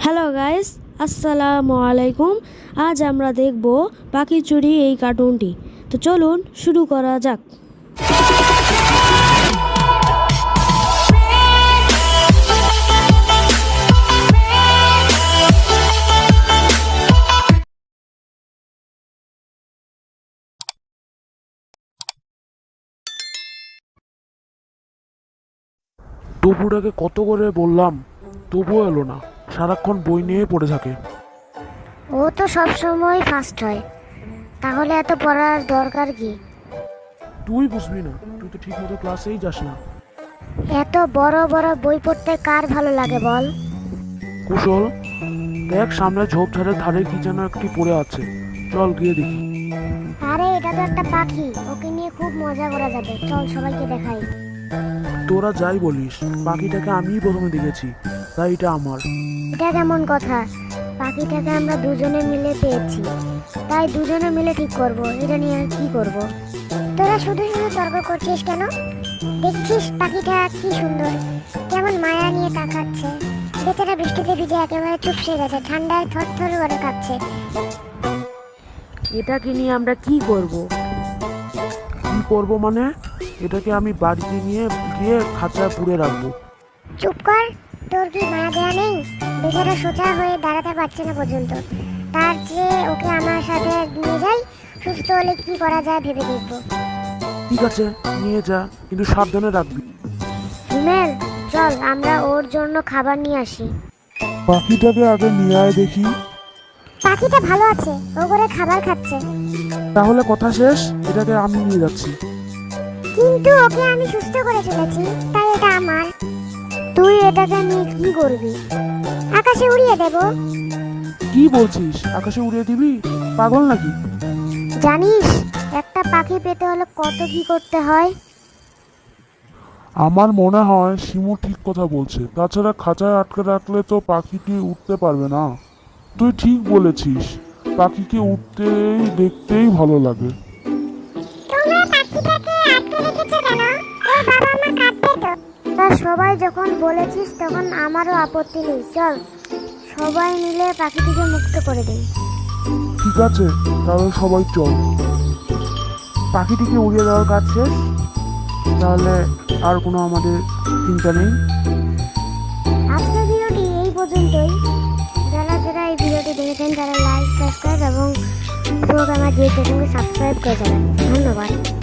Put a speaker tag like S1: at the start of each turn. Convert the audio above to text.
S1: Hello guys, আসসালামু আলাইকুম। আজ আমরা দেখব পাখি চুরি এই কার্টুনটি। তো চলুন শুরু করা যাক।
S2: টুপুটাকে কত করে বললাম, তবুও এলো না। সারাক্ষণ বই নিয়ে পড়ে থাকে।
S3: ও তো সব সময় ফার্স্ট হয়, তাহলে এত পড়ার দরকার কি?
S2: তুই বুঝবি না, তুই তো ঠিক মতো ক্লাসেই যাস না।
S3: এত বড় বড় বই পড়তে কার ভালো লাগে বল?
S2: কুশল, দেখ সামনে ঝোপঝাড়ের ধারে কি যেন একটি পড়ে আছে। চল গিয়ে দেখি।
S3: আরে এটা তো একটা পাখি, ওকে নিয়ে খুব মজা করা যাবে, চল সবাইকে দেখাই।
S2: তোরা যাই বলিস, পাখিটাকে আমিই প্রথমে দেখেছি, তাই এটা আমার।
S3: এটা কেমন কথা? পাখিটাকে আমরা দুজনে মিলে পেয়েছি, তাই দুজনে মিলে ঠিক করব এটা নিয়ে কি করব। তোরা শুধু শুধু তর্ক করছিস কেন? দেখছিস পাখিটা কি সুন্দর, কেমন মায়া নিয়ে তাকাচ্ছে। বেচারা বৃষ্টিতে ভিজে একেবারে চুপসে গেছে, ঠান্ডায় থরথর করে কাঁপছে।
S1: এটাকে নিয়ে আমরা কি করব?
S2: কি করব মানে? এটাকে আমি বাড়িতে নিয়ে গিয়ে খাঁচায় পুড়ে রাখবো।
S3: চুপ কর, তোর কি মায়া দেয়া নেই? বেচারা সোজা হয়ে দাঁড়াতে পারছে না পর্যন্ত, তার চেয়ে ওকে আমার সাথে নিয়ে যাই, সুস্থ হলে কি করা যায় ভেবে দেখবো।
S2: ঠিক আছে, নিয়ে যা, কিন্তু সাবধানে রাখবি।
S3: হিমেল, চল আমরা ওর জন্য খাবার নিয়ে আসি।
S2: পাখিটাকে আগে নিয়ে আয় দেখি।
S3: পাখিটা ভালো আছে, ও করে খাবার খাচ্ছে।
S2: তাহলে কথা শেষ, এটাকে আমি নিয়ে যাচ্ছি।
S3: কিন্তু ওকে আমি সুস্থ করে ফেলেছি, তাই এটা আমার। তুই এটাকে নিয়ে কি করবি? আকাশে উড়িয়ে দেব।
S2: কি বলছিস? আকাশে উড়িয়ে দিবি? পাগল নাকি?
S3: জানিস একটা পাখি পেতে হলে কত কি করতে হয়?
S4: আমার মনে হয় শিমু ঠিক কথা বলছে। তাছাড়া খাঁচায় আটকে রাখলে তো পাখিটি উঠতে পারবে না। তুই ঠিক বলেছিস, পাখিকে উঠতেই দেখতেই ভালো লাগে।
S3: তোমরা পাখিটাকে আটকে রেখেছো কেন? ওর বাবা মা কাঁদবে তো। তা সবাই যখন বলেছিস তখন আমারও আপত্তি নেই, চল সবাই মিলে পাখিটিকে মুক্ত করে দেই।
S4: ঠিক আছে, তাহলে সবাই চল।
S2: পাখিটিকে উড়িয়ে দেওয়ার কাজ শেষ, তাহলে আর কোনো আমাদের চিন্তা নেই।
S3: আজকের ভিডিওটি এই পর্যন্তই। যারা যারা এই ভিডিওটি দেখেছেন তারা লাইক, সাবস্ক্রাইব এবং প্রোগ্রামার দিয়ে চ্যানেলকে সাবস্ক্রাইব করে যাবেন। ধন্যবাদ।